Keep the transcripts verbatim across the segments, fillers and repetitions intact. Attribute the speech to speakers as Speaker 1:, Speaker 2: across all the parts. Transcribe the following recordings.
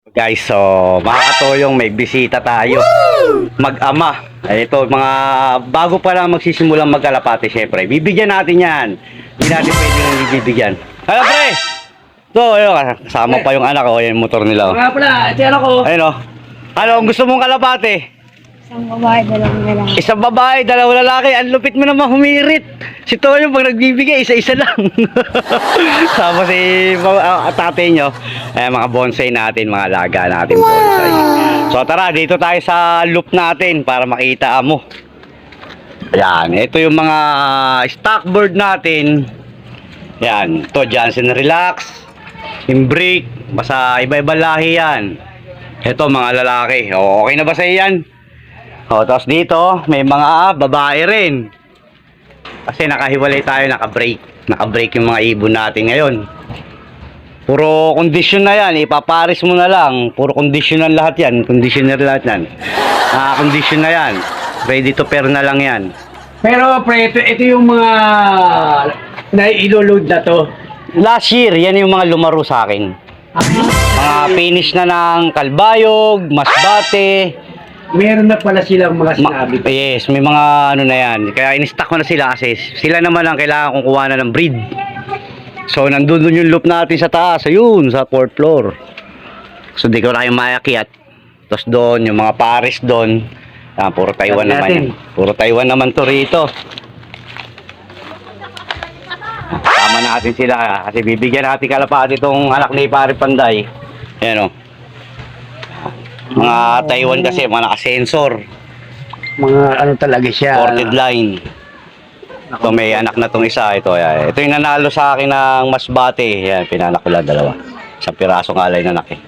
Speaker 1: Guys, so mga katoyong, may bisita tayo. Mag-ama. Ay, ito, mga bago pa lang magsisimulang magkalapate, syempre. Bibigyan natin yan. Hindi natin pwede nang bibigyan. Hala, pre! Ito, ayun, kasama pa yung anak ko. Yung motor nila.
Speaker 2: Nga pala, ito yan ako.
Speaker 1: Ayun, o. Ano, ang gusto mong kalapate?
Speaker 3: Isang babae, dalawang lalaki.
Speaker 1: Isang babae, dalawang lalaki. Ang lupit mo naman humirit. Si Toyo, pag nagbibigay, isa-isa lang. Sama si uh, tatay nyo. Eh, mga bonsai natin, mga alaga natin bonsai. So tara, dito tayo sa loop natin para makita mo. Yan, ito yung mga stock board natin. Yan, to Johnson Relax, Imbrick, basta iba-iba lahi yan. Ito mga lalaki. O, okay na ba sa yan? O, tapos dito, may mga babae rin. Kasi nakahiwalay tayo, naka-break. Naka-break yung mga ibon natin ngayon. Puro condition na yan, ipaparis mo na lang. Puro conditional lahat yan, conditioner lahat yan. Naka-condition na yan. Ready to pair na lang yan.
Speaker 2: Pero pre, ito, ito yung mga na-iloload na to.
Speaker 1: Last year, yan yung mga lumaro sa akin. Mga finish na ng Kalbayog, Masbate.
Speaker 2: Meron na pala silang mga
Speaker 1: Ma
Speaker 2: sinabi.
Speaker 1: yes, may mga ano na yan. Kaya in-stock ko na sila kasi sila naman ang kailangan kong kuha na ng breed. So, nandun dun yung loop natin sa taas. Ayun, sa fourth floor. So, di ko na kayo mayakyat. Tapos doon, yung mga pares doon. Ah, puro Taiwan
Speaker 2: Sabi
Speaker 1: naman
Speaker 2: natin.
Speaker 1: yan. Puro Taiwan naman to rito. Tama natin sila kasi bibigyan natin kalapati itong anak ni Pare Panday. Ayan o. Mga Taiwan kasi, mga naka-sensor.
Speaker 2: Mga ano talaga siya.
Speaker 1: Ported line. Ito may anak na tong isa. Ito, yan. Ito yung nanalo sa akin ng Masbate. Yan, pinanak ko lang dalawa. Sa pirasong alay na anak eh.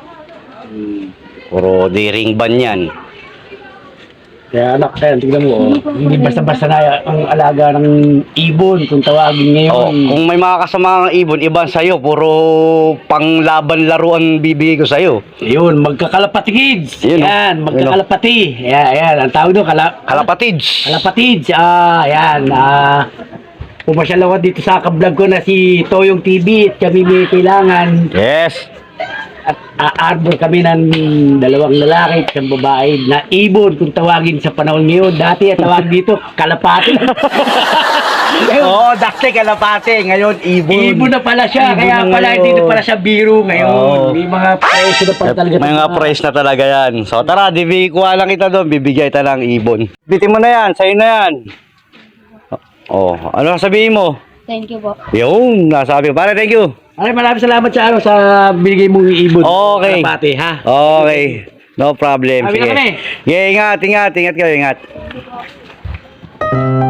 Speaker 1: Puro D-ring ban yan.
Speaker 2: Kaya anak, kaya tignan mo, oh. Hindi basta-basta na ang alaga ng ibon kung tawagin ngayon.
Speaker 1: Oh, kung may mga kasama ng ibon, iban sa'yo. Puro panglaban laruan bibigay ko sa'yo.
Speaker 2: Yun, magkakalapati kids.
Speaker 1: Yun, oh.
Speaker 2: Yan, magkakalapati. Yan, yan. Ang tawag doon, kala
Speaker 1: Kalapatids.
Speaker 2: kalapatids. Ah, yan. Ah, pumasyal ako dito sa kablog ko na si Toyong T V at kami may kailangan.
Speaker 1: Yes.
Speaker 2: At aarbor kami ng dalawang lalaki at isang babae na ibon kung tawagin sa panahon ngayon. Dati at tawag dito, kalapati.
Speaker 1: Oo, oh, dati kalapate. Ngayon, ibon.
Speaker 2: Ibon na pala siya,
Speaker 1: Ibon
Speaker 2: kaya
Speaker 1: na
Speaker 2: pala
Speaker 1: ngayon.
Speaker 2: hindi na pala siya biro ngayon.
Speaker 1: Oo.
Speaker 2: May mga presyo na pala talaga.
Speaker 1: May mga price na talaga yan. So tara, di kuha lang kita doon. Bibigay kita ng ibon. Bitin mo na yan. Sa'yo na yan. Oh, ano sabihin mo?
Speaker 3: Thank you po.
Speaker 1: Yun, nasabi ko. Pare, thank you.
Speaker 2: Ay, maraming salamat sa ano sa binigay mong ibon.
Speaker 1: Okay.
Speaker 2: Kalapati, ha?
Speaker 1: Okay. No problem.
Speaker 2: Sabi na
Speaker 1: Sige.
Speaker 2: kami.
Speaker 1: Yeah, ingat, ingat. Ingat kayo, ingat.